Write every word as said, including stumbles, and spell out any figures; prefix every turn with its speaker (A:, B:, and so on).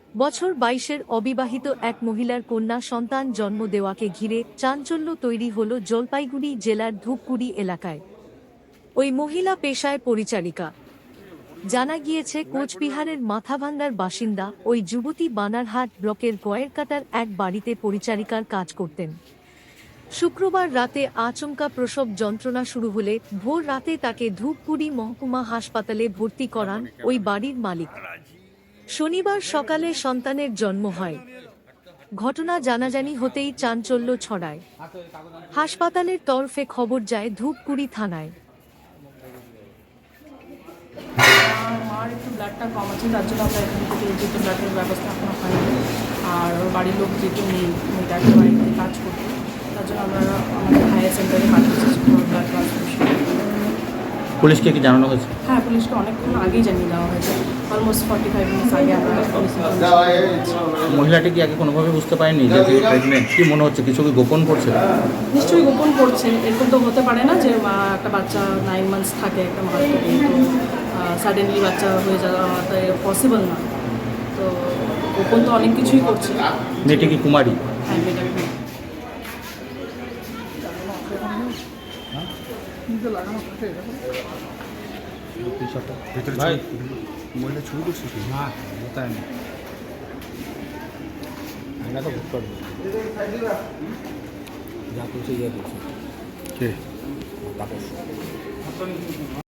A: বছর বাইশের অবিবাহিত এক মহিলার কন্যা সন্তান জন্ম দেওয়াকে ঘিরে চাঞ্চল্য তৈরি হল জলপাইগুড়ি জেলার ধূপগুড়ি এলাকায়। ওই মহিলা পেশায় পরিচারিকা। জানা গিয়েছে কোচবিহারের মাথাভাঙ্গার বাসিন্দা ওই যুবতী বানারহাট ব্লকের গয়েরকাটার এক বাড়িতে পরিচারিকার কাজ করতেন। শুক্রবার রাতে আচমকা প্রসব যন্ত্রণা শুরু হলে ভোর রাতে তাকে ধূপগুড়ি মহকুমা হাসপাতালে ভর্তি করান ওই বাড়ির মালিক। শনিবার সকালে সন্তানের জন্ম হয়। ঘটনা জানাজানি হতেই চাঞ্চল্য ছড়ায়। হাসপাতালের তরফে খবর যায় ধূপগুড়ি থানায়।
B: মার একটু ব্লাডটা কম আছে, তার জন্য আমরা এখান থেকে যেহেতু ব্লাডের ব্যবস্থা এখনো হয়নি, আর ওর বাড়ির লোক যেহেতু নেই, মেয়েটা একটা বাড়িতে কাজ করতো, তার জন্য আমরা আমাদের হায়ার সেন্টারে পাঠিয়েছি ব্লাড ট্রান্সফিউশন।
C: পুলিশকে কি জানানো হয়েছে?
B: হ্যাঁ, পুলিশকে অনেকক্ষণ আগেই জানিয়ে দেওয়া হয়েছে, অলমোস্ট ফর্টি ফাইভ মিনিটস আগে আমরা পুলিশ।
C: মহিলাটি কি আগে কোনোভাবে বুঝতে পারেনি যে প্রেগনেন্ট? কি মনে হচ্ছে কিছু কি গোপন করছে?
B: নিশ্চয়ই গোপন করছে, এরকম তো হতে পারে না যে মা একটা বাচ্চা নাইন মান্থস থাকে একটা মার থেকে, তো সাডেনলি বাচ্চা হয়ে যাওয়া পসিবল না, তো গোপন তো অনেক কিছুই করছে।
C: মেয়েটি কি কুমারী?
B: হ্যাঁ, মেয়েটা
D: ভাই মহিলা ছবি করছিস না তাই না আমরা তো বুক করবো যা করছে ইয়ে করছে কে তাপস।